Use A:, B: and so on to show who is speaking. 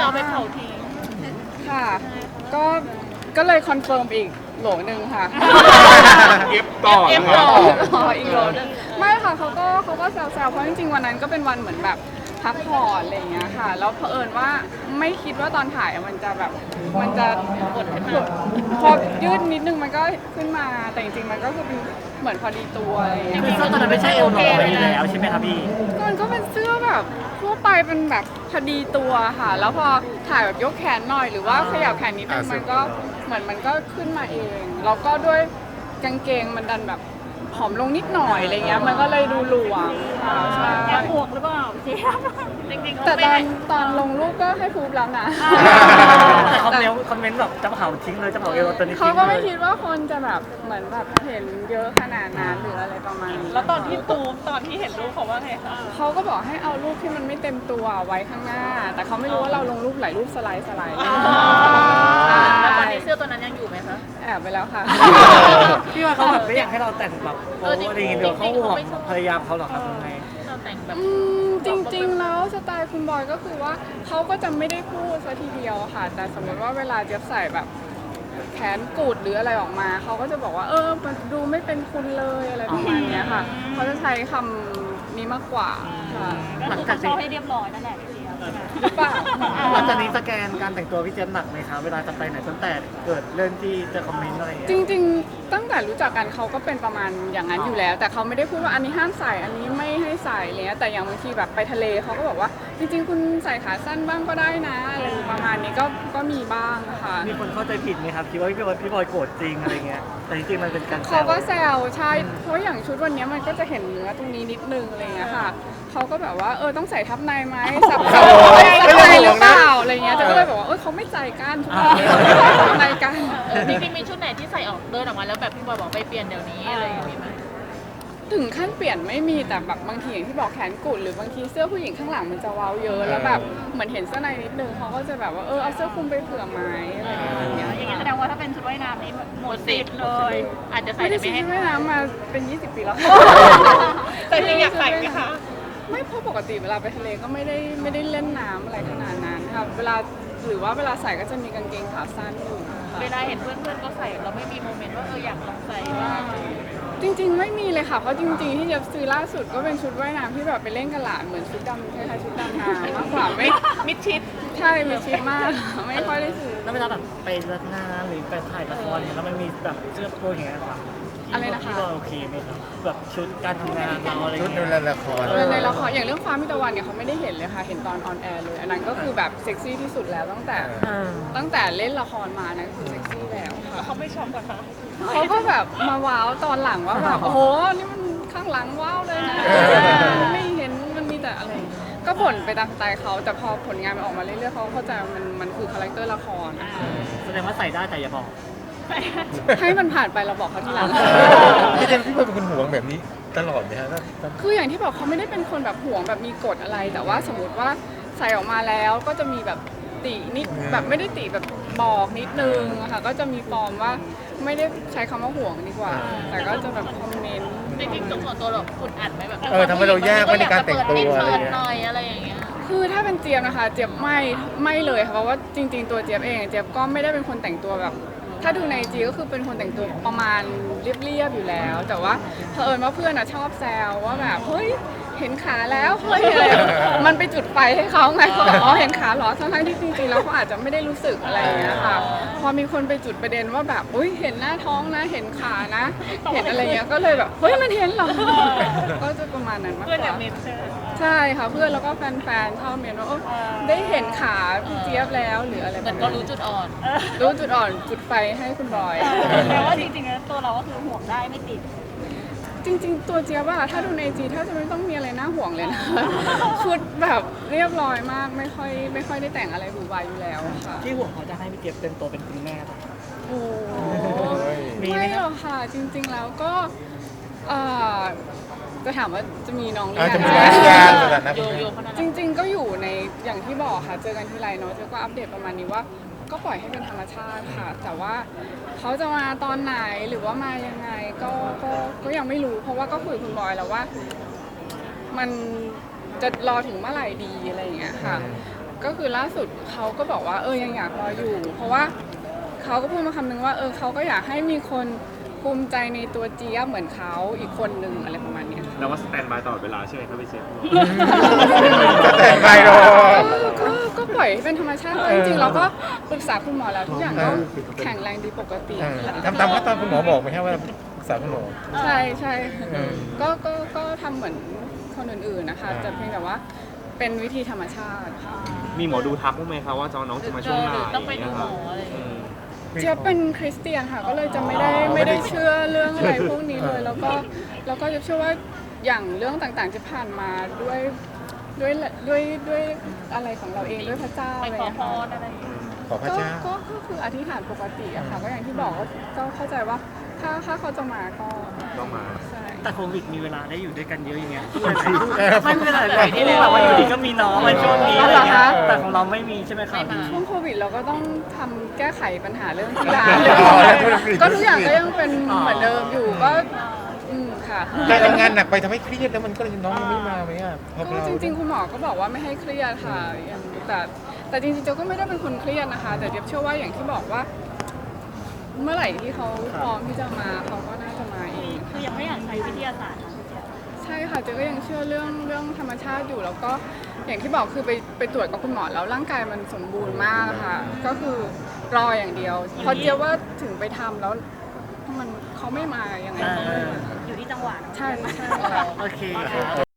A: เอาไปเผาทิ้ง
B: ค่ะก็ก็เลยคอนเฟิร์มอีกโหลนึงค่ะ
C: เอฟต่อ
A: เอฟ
C: นะ
A: ต่อ
B: อีกโหลนึงไม่ค่ะเขาก็แซวๆเพราะจริงๆวันนั้นก็เป็นวันเหมือนแบบพักผ่อนอะไรอย่างเงี้ยค่ะแล้วเผอิญว่าไม่คิดว่าตอนถ่ายมันจะแบบมันจะกดขึ้นมาพอยืดนิดนึงมันก็ขึ้นมาแต่จริงๆมันก็คือเป็นเหมือนพอดีตัวอะไรอย่างเงี้ย
D: คือเสื้อตัวนั้นไม่ใช่เอวลอยอยู่แล้วใช่ไหมครับพี่
B: มันก็เป็นเสื้อแบบทั่วไปเป็นแบบพอดีตัวค่ะแล้วพอถ่ายแบบยกแขนหน่อยหรือว่าขยับแขนนิดนึงมันก็เหมือนมันก็ขึ้นมาเองแล้วก็ด้วยกางเกงมันดันแบบผอมลงนิดหน่อยอะไรเงี้ยมันก็เลยดูหลวมค่ะใช่
A: แอบห่วงหรือเปล่าเจี๊ยบจริงๆ
B: แต่ตอนลงรูปก็ให้พูดแล้วนะ
D: แต่คอมเมนต์แบบจะเผาทิ้งเลยจะเผาเอวตัวนี้ทิ้ง
B: เขาก็ไม่
D: เลย
B: คิดว่าคนจะแบบเหมือนแบบเห็นเยอะขนาดนั้นหรืออะไรประมาณนี้
A: แล้วตอนที่เห็นรูปเขาว่าไงคะ
B: เขาก็บอกให้เอารูปที่มันไม่เต็มตัวไว้ข้างหน้า แต่เขาไม่รู้ว่าเราลงรูปหลายรูปสไลด์
A: แล้วตอนนี้เสื้อตัวนั้นยังอยู่ไหมคะ
B: แอบไปแล้วค่ะ
D: พี่ว่าเขาแบบไม่อยากให้เราแต่งแบบโป๊อะไรอย่างเงี้ยเดี๋ยวเขาห่วงภรรยาเขาเหรอครับยังไง
A: เราแต่งแบบ
B: จริงๆแล้วสไตล์คุณบอยก็คือว่าเขาก็จะไม่ได้พูดซะทีเดียวค่ะ แต่สมมติว่าเวลาเจี๊ยบใส่แบบแขนกูดหรืออะไรออกมาเขาก็จะบอกว่ามันดูไม่เป็นคุณเลยอะไรประมาณเนี้ยค่ะเขาจะใช้คำนี้มากกว่าค่ะ
A: หลังจากให้เรียบร้อยนั่นแหละพี่เจี๊ยบ
B: หรือเปล่า
D: หลังจากนี้สแกนการแต่งตัวพี่เจมส์หนักไหมครับเวลาจะไปไหนตั้งแต่เกิดเรื่องที่เจอคอมเมนต์อะไรอย่างเงี้ย
B: จริงๆตั้งแต่รู้จักกันเขาก็เป็นประมาณอย่างนั้นอยู่แล้ว แต่เขาไม่ได้พูดว่าอันนี้ห้ามใส่อันนี้ไม่ให้ใส่เลยแต่อย่างบางทีแบบไปทะเลเขาก็บอกว่าจริงๆคุณใส่ขาสั้นบ้างก็ได้นะอะไรประมาณนี้ก็มีบ้างค่ะ
D: มีคนเข้าใจผิดไหมครับคิดว่าพี่บอยโกรธจริงอะไรเงี้ยแต่จริงๆมันเป็นการแซ
B: เขา
D: ว
B: ก็แซวใช่เพราะอย่างชุดวันนี้มันก็จะเห็นเนื้อตรงนี้นิดนึงอะไรเงี้ยค่ะเขาก็แบบว่าต้องใส่ทับในไหมสับในหรือเปล่าอะไรเงี้ยแต่ก็เลยบอกว่าเขาไม่ใจกันทุกคนทับในกัน
A: จริงๆมีชุดไหนที่ใส่ออกเดินออกมาแล้วแบบพี่บอยบอกไปเปลี่ยนเดี๋ยวนี้อะไรอย่างนี้ไหม
B: ถึงขั้นเปลี่ยนไม่มีแต่แบบบางทีอย่างที่บอกแขนกุดหรือบางทีเสื้อผู้หญิงข้างหลังมันจะเว้าเยอะแล้วแบบเหมือนเห็นเสื้อในนิดนึงเขาก็จะแบบว่าเอาเสื้อคลุมไปเผื่อไหมอะไรอย่างเงี้ย
A: อย่างนี้แสดงว่าถ้าเป็นชุดว่ายน้ำนี่หมดสิทธิ์เลย อาจจะใส่
B: ไม่ได้
A: แต่
B: ใช้
A: ไม่ให้
B: ว่ายน้ำมาเป็น 20 ปีแล้ว
A: แต่จริงอยากใส่ไหมคะ
B: ไม่เพราะปกติเวลาไปทะเลก็ไม่ได้เล่นน้ำอะไรขนาดนั้นค่ะเวลาหรือว่าเวลาใส่ก็จะมีกางเกงขาสั้นอยู่ค่ะ
A: เวลาเห็นเพื่อนๆก็ใส่เราไม่มีโมเมนต์ว่าอยากลองใส่บ้าง
B: จริงๆไม่มีเลยค่ะเพราะจริงๆที่จะซื้อล่าสุดก็เป็นชุดว่ายน้ำที่แบบไปเล่นกับหลานเหมือนชุดดำคล้ายๆชุดดำน้ำมากกว่าไม่
A: มิดชิด
B: ใช่มีชิดมาก ไม่ค่อยได้ซื้อ
D: แล้วเวลาแบบไปรับงานหรือไปถ่ายละครเนี่ยแล้วมันมีแบบเสื้อโปรอย่างเงี้ยครับ
B: อะไรนะคะ
D: พี่บอยโอเคไหมครับแบบชุดการทำงานเราอะไร
C: ชุด
D: เงี้ย
C: ในละคร
B: ในละครอย่างเรื่องฟ้ามิตรวันเนี่ยเขาไม่ได้เห็นเลยค่ะเห็นตอนออนแอร์เลยอันนั้นก็คือแบบเซ็กซี่ที่สุดแล้วตั้งแต่เล่นละครมานะคือเซ็กซี่แล้วค่ะ
A: เขาไม่ชอบกันคะ
B: เขาก็แบบมาว้าวตอนหลังว่าแบบโอ้โหนี่มันข้างหลังว้าวเลยนะไม่เห็นมันมีแต่อะไรก็ผลไปตามสไตล์เขาแต่พอผลงานมันออกมาเรื่อยๆเขาเข้าใจว่ามันคือคาแรคเตอร์ละครนะคะ
D: แสดงว่าใส่ได้แต่อย่าบอก
B: ให้มันผ่านไปเราบอกเขาทีหลัง
C: พี่เจมส์พี่บอยเป็นคนห่วงแบบนี้ตลอดไหมฮะ
B: คืออย่างที่บอกเขาไม่ได้เป็นคนแบบห่วงแบบมีกฎอะไร แต่ว่าสมมติว่าใส่ออกมาแล้วก็จะมีแบบตินิดแบบไม่ได้ติแบบบอกนิดนึงอะค่ะก็จะมีฟอร์มว่าไม่ได้ใช้คำว่าห่วงดีกว่า แต่ก็จะแบบคอมเมนต์
A: จริงๆส่วนตัวเราคุณอัดไหมแบบ
C: ทำให้เรายากไหมในการแต่งตัว
A: เปิ
C: อะไร
A: ด
C: เงี้ย
A: หน่อยอะไรอย่างเงี้ย
B: คือถ้าเป็นเจี๊ยบนะคะเจี๊ยบไม่เลยค่ะเพราะว่าจริง ๆตัวเจี๊ยบเองเจี๊ยบก็ไม่ได้เป็นคนแต่งตัวแบบ ถ้าดูในจีก็คือเป็นคนแต่งตัวประมาณเรียบๆอยู่แล้ว แต่ว่าเผอิญว่าเพื่อนอะชอบแซวว่าแบบเฮ้ยเห็นขาแล้วเฮ้ยอะไรมันไปจุดไฟให้เขาไงเขาบอกอ๋อเห็นขาเหรอทั้งที่จริงๆแล้วเขาอาจจะไม่ได้รู้สึกอะไรอย่างเงี้ยค่ะพอมีคนไปจุดประเด็นว่าแบบอุ้ยเห็นหน้าท้องนะเห็นขานะ เห็นอะไรเงี้ยก็เลยแบบเฮ้ยมันเห็นเหรอก็จะประมาณนั้นมาก
A: เพื่อน
B: ก
A: อยา
B: ว่า
A: กเน้นใช่ไหม
B: ใช่ค่ะเพื่อนแล้วก็แฟนๆชอบเมนว่าได้เห็นขาพี่เจี๊ยบแล้วหรืออะไร
A: เห
B: แบ
A: มือน
B: บ
A: ก็
B: นี้
A: รู้จุดอ่อน
B: รู้จุดอ่อนจุดไฟให้คุณบอย
A: แปลว่าจริงๆแล้วตัวเราก็คือห่วงได้ไม่ติด
B: จริงๆ ตัวเจี๊ยบอะถ้าดูในจีถ้าจะไม่ต้องมีอะไรน่าห่วงเลยนะ ชุดแบบเรียบร้อยมากไม่ค่อยได้แต่งอะไรหวือหวาอยู่แล้วค่ะ
D: ที่ห่วงเขาจะให้พี่เจมส์เต็มตัวเป็นคุณแม่ป่ะ
B: โอ้โห
D: มีไหม
B: ไม่
D: ค
B: ห
D: รับ
B: รอกค่ะ จริงๆแล้วก็เอ่อจะถามว่าจะมีน้องหรือ
C: อาจ
B: ยั
C: จะ
B: ง
C: มี
B: นะ
C: งานสถานะ
A: โยขนาด
B: จ
A: นั้น
B: ริง ๆ ก็อยู่ในอย่างที่บอกค่ะ เจอกันทีไรเนาะเจอก็อัปเดตประมาณนี้ว่า ก็ปล่อยให้เป็นธรรมชาติค่ะ แต่ว่าเขาจะมาตอนไหนหรือว่ามายังไงก็ยังไม่รู้ เพราะว่าก็คุยกับคุณบอยแล้วว่า มันจะรอถึงเมื่อไหร่ดีอะไรอย่างเงี้ยค่ะก็คือล่าสุดเขาก็บอกว่ายังอยากรออยู่ เพราะว่าเขาก็พูดมาคำนึงว่าเขาก็อยากให้มีคนภูมิใจในตัวเจี๊ยบเหมือนเขาอีกคนนึงอะไรประมาณเนี้ย
E: แล้วว่าสแตนบายตลอดเวลาใช่ไหมครับพี่เจฟ
C: จะแต่งไปรอ
B: ก็ปล่อยให้เป็นธรรมชาติจริงๆเราก็ปรึกษาคุณหมอแล้วทุกอย่างก็แข็งแรงดีปกติค่ะ
C: ทำตามขั้นตอนคุณหมอบอกไหมครับว่าปรึกษาคุณหมอ
B: ใช่ใช่
C: อืม
B: ก็ทำเหมือนคนอื่นๆนะคะแต่เพียงแต่ว่าเป็นวิธีธรรมชาติค่ะ
E: มีหมอดูทักบ้างไหมครับว่าน้องจะมาช่วงไหน
A: หรือต้องไปดูหมออะไรอย่างเงี้ย
B: เจี๊ยบเป็นคริสเตียนค่ะก็เลยจะไม่ได้เชื่อเรื่องอะไรพวกนี้เลยแล้วก็จะเชื่อว่าอย่างเรื่องต่างๆจะผ่านมาด้วยอะไรของเราเองด้วยพระเจ้า
A: ไป
B: อะไร
A: ขอ
B: อย่าง
A: พ
B: เงี้ย
A: รอะไรอย่างเงี้ย
C: ขอพระเจ้า
B: ก็คืออธิษฐานปกติอะค่ะก็อย่างที่บอกก็เข้าใจว่าถ้าเขาจะมาก็
E: ต้องมา
B: ใช่
D: แต่โควิดมีเวลาได้อยู่ด้วยกันเยอะอย่างเงี้ย
C: เออ
D: ไม่เป็นไรแบบที่แบบว่าอยู่ดีก็มีน้องมาช่วงนี้อะไรเงี้ยแต่ของเราไม่มีใช่ไหมครับ
B: ช่วงโควิดเราก็ต้องทำแก้ไขปัญหาเรื่องกีฬา
C: อ๋อแล้วธุรกิจ
B: ก็ทุกอย่างก็ยังเป็นเหมือนเดิมอยู่ก็ค่ะ
C: การทำงานหนักไปทำให้เครียดแล้วมันก็เลยน้องยังไม่มาไหมอ่ะพอ
B: ก็
C: เรา
B: จริงๆ คุณหมอก็บอกว่าไม่ให้เครียดค่ะอย่างแต่จริงๆเจ๊ก็ไม่ได้เป็นคนเครียดนะคะ แต่เจ๊เชื่อว่าอย่างที่บอกว่า เมื่อไหร่ที่เขาพร้อมที่จะมาเขาก็น่าจะมาเอง
A: คือยังไม่อยากใช้วิทยาศาสตร์
B: ใช่ค่ะเจ๊ก็ยังเชื่อเรื่องธรรมชาติอยู่แล้วก็อย่างที่บอกคือไปตรวจกับคุณหมอแล้วร่างกายมันสมบูรณ์มากค่ะ ก็คือรออย่างเดียวเพราะเจ๊ว่าถึงไปทำแล้วเขาไม่มายังไงก็ไม่มา
A: อยู่ที่จังหวะ
B: ใช่ใช่ค่ะ
D: โอเคครับ